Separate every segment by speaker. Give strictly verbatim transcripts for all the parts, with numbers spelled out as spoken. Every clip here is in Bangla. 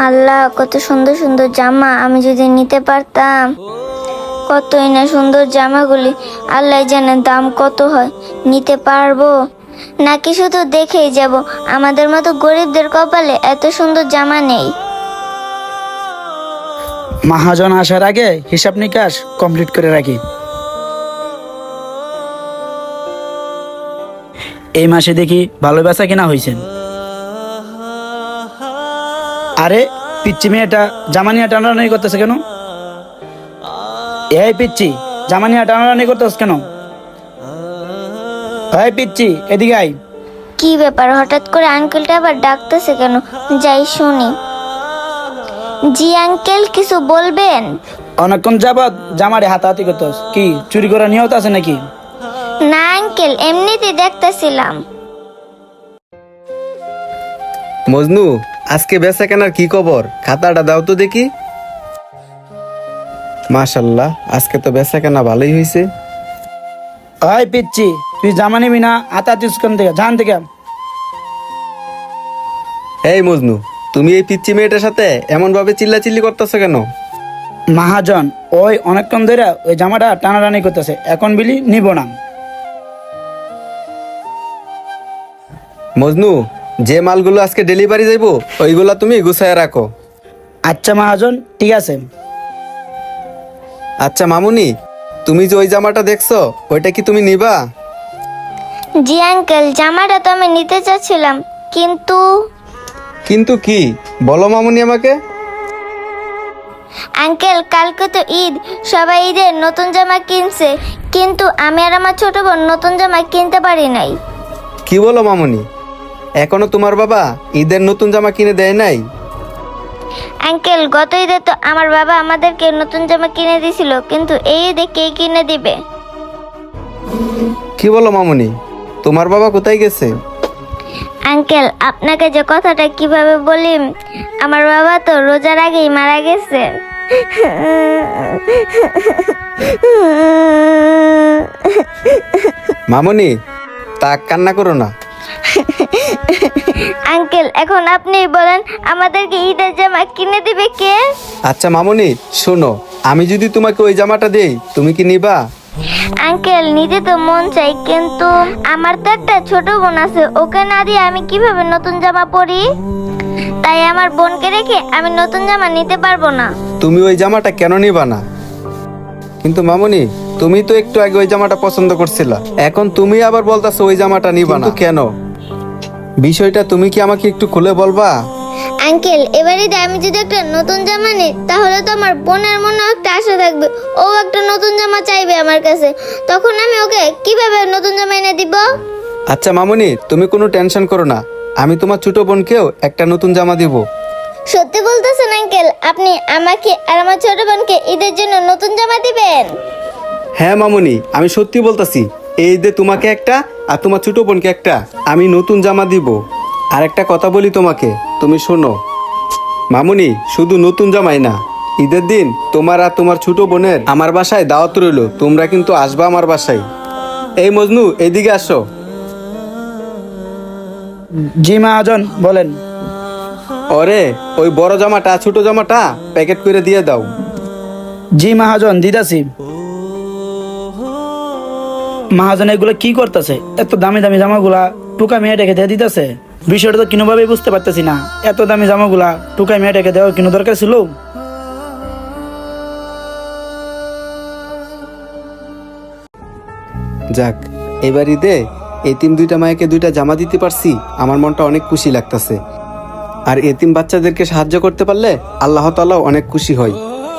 Speaker 1: আল্লাহ, কত সুন্দর সুন্দর জামা, আমি যদি নিতে পারতাম। কতই না সুন্দর জামাগুলি, আল্লাহ জানে দাম কত হয়। নিতে পারবো নাকি শুধু দেখেই যাব? আমাদের মতো গরিবদের কপালে এত সুন্দর জামা নেই।
Speaker 2: মহাজন আসার আগে হিসাব নিকাশ কমপ্লিট করে রাখি। এই মাসে দেখি ভালো বেচা কিনা হয়েছে। আরে পিচ্ছি মেয়েটা জামানিয়া টানাটানি করতেছে কেন? এই পিচ্ছি, জামানিয়া টানাটানি করতেছ কেন? এই পিচ্ছি, এদিকে আই।
Speaker 1: কি ব্যাপার, হঠাৎ করে আঙ্কেলটা আবার ডাকতেছে কেন? যাই শুনি। জি আঙ্কেল, কিছু বলবেন?
Speaker 2: অনেকক্ষণ যাবৎ জামারে হাতাহাতি করতেছ, কি চুরি করা নিয়ত আছে নাকি?
Speaker 1: না আঙ্কেল, এমনিতেই দেখতেছিলাম।
Speaker 3: মজনু, আজকে বেচা কেনার কি খবর? খাতাটা দাও তো দেখি। মাশাল্লাহ, আজকে তো বেচা কেনা ভালোই হয়েছে।
Speaker 2: ওই পিচ্ছি, তুই জামা নিবি না? হাতাহাতি কোন থেকে জান থেকে?
Speaker 3: এই মজনু, তুমি এই পিচ্চি মেয়েটার সাথে এমন ভাবে চিল্লাচিল্লি করতেছো কেন?
Speaker 2: মহাজন, ওই অনেকক্ষণ ধরে ওই জামাটা টানাটানি করতেছে, এখন বিলি নিব না।
Speaker 3: মজনু, যে মালগুলো আজকে ডেলিভারি যাইব ওইগুলা তুমি গুছায় রাখো।
Speaker 2: আচ্ছা মহাজন, ঠিক আছে।
Speaker 3: আচ্ছা মামুনি, তুমি যে ওই জামাটা দেখছো ওইটা কি তুমি নিবা?
Speaker 1: জি আঙ্কেল, জামাটা তো আমি নিতে চাচ্ছিলাম, কিন্তু
Speaker 3: কিন্তু কি বলো মামুনি আমাকে।
Speaker 1: আঙ্কেল, কালকে তো ঈদ, সবাই ঈদের নতুন জামা কিনছে, কিন্তু আমি আর আমার ছোট বোন নতুন জামা কিনতে পারি নাই।
Speaker 3: কি বলো মামুনি, এখনো তোমার বাবা ঈদের নতুন জামা কিনে দেয় নাই?
Speaker 1: আঙ্কেল, গত ঈদে তো আমার বাবা আমাদেরকে নতুন জামা কিনে দিছিল, কিন্তু এই ঈদে কে কিনে দিবে?
Speaker 3: কি বলো মামুনি, তোমার বাবা কোথায় গেছে?
Speaker 1: আঙ্কেল, আপনাকে যে কথাটা কিভাবে বলি, আমার বাবা তো রোজার আগেই মারা গেছে।
Speaker 3: মামুনি, তা কান্না করো না।
Speaker 1: আঙ্কেল, এখন আপনি বলেন, আমাদেরকে ঈদের জামা কিনে দিবে কে?
Speaker 3: আচ্ছা মামুনি শোনো, আমি যদি তোমাকে ওই জামাটা দেই তুমি কি নিবা?
Speaker 1: আঙ্কেল, নিতে তো মন চাই, কিন্তু আমার তো একটা ছোট বোন আছে, ওকে না দিয়ে আমি কিভাবে নতুন জামা পরি? তাই আমার বোনকে রেখে আমি নতুন জামা নিতে পারবো না।
Speaker 3: তুমি ওই জামাটা কেন নিবা না? কিন্তু মামুনি, তুমি তো একটু আগে ওই জামাটা পছন্দ করছিলা, এখন তুমি আবার বলতাছো ওই জামাটা নিবা না কেন? বিষয়টা তুমি কি আমাকে একটু খুলে বলবা?
Speaker 1: আঙ্কেল, এবারে আমি যদি একটা নতুন জামা নিই, তাহলে তো আমার বোনের মনে একটা আশা থাকবে, ও একটা নতুন জামা চাইবে আমার কাছে, তখন আমি ওকে কিভাবে নতুন জামা এনে দিব?
Speaker 3: আচ্ছা মামুনি, তুমি কোনো টেনশন করো না, আমি তোমার ছোট বোনকেও একটা নতুন জামা দিব।
Speaker 1: সত্যি বলতেছেন আঙ্কেল? আপনি আমাকে আর আমার ছোট বোনকে ঈদের জন্য নতুন জামা দিবেন?
Speaker 3: হ্যাঁ মামুনি, আমি সত্যি বলতাছি, এই ঈদে তোমাকে একটা আর তোমার ছোট বোনকে একটা আমি নতুন জামা দিব। আর একটা কথা বলি তোমাকে, তুমি শোনো মামুনি, শুধু নতুন জামাই না, ঈদের দিন তোমার আর তোমার ছোট বোনের আমার বাসায় দাওয়াত রইলো, তোমরা কিন্তু আসবা আমার বাসায়। এই মজনু, এইদিকে আসো।
Speaker 2: জি মহাজন, বলেন।
Speaker 3: ওরে ওই বড় জামাটা ছোট জামাটা প্যাকেট করে দিয়ে দাও।
Speaker 2: জি মহাজন, দিদাসি। মহাজন এগুলো কি করতেছে? এত দামি দামি জামাগুলা টুকা মেয়েটাকে দিয়ে দিতেছে। বিষয়টা তো কোনোভাবেই বুঝতে পারতেছি না। এত দামি জামাগুলা টুকা মেয়েটাকে দেওয়ার কোনো দরকার ছিল?
Speaker 3: যাক, এবার ঈদে এতিম দুইটা মায়েকে দুইটা জামা দিতে পারছি, আমার মনটা অনেক খুশি লাগতেছে। আর এতিম বাচ্চাদেরকে সাহায্য করতে পারলে আল্লাহ তাআলা অনেক খুশি হয়।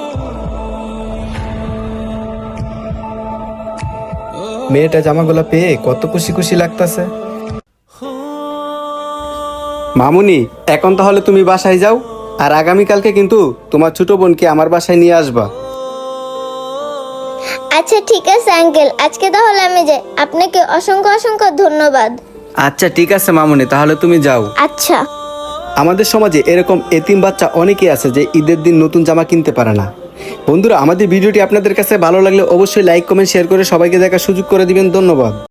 Speaker 3: মেয়েটা জামাগুলো পেয়ে কত খুশি খুশি লাগতেছে। মামুনি, এখন তাহলে তুমি বাসায় যাও, আর আগামীকালকে কিন্তু তোমার ছোট বোনকে আমার বাসায় নিয়ে আসবা।
Speaker 1: আচ্ছা ঠিক আছে আঙ্কেল, আজকে তাহলে আমি যাই। আপনাকে অসংখ্য অসংখ্য ধন্যবাদ।
Speaker 3: আচ্ছা ঠিক আছে মামুনি, তাহলে তুমি যাও।
Speaker 1: আচ্ছা।
Speaker 3: আমাদের সমাজে এরকম এতিম বাচ্চা অনেকেই আছে যে ঈদের দিন নতুন জামা কিনতে পারে না। বন্ধুরা, আমাদের ভিডিওটি আপনাদের কাছে ভালো লাগলে অবশ্যই লাইক কমেন্ট শেয়ার করে সবাইকে দেখার সুযোগ করে দিবেন। ধন্যবাদ।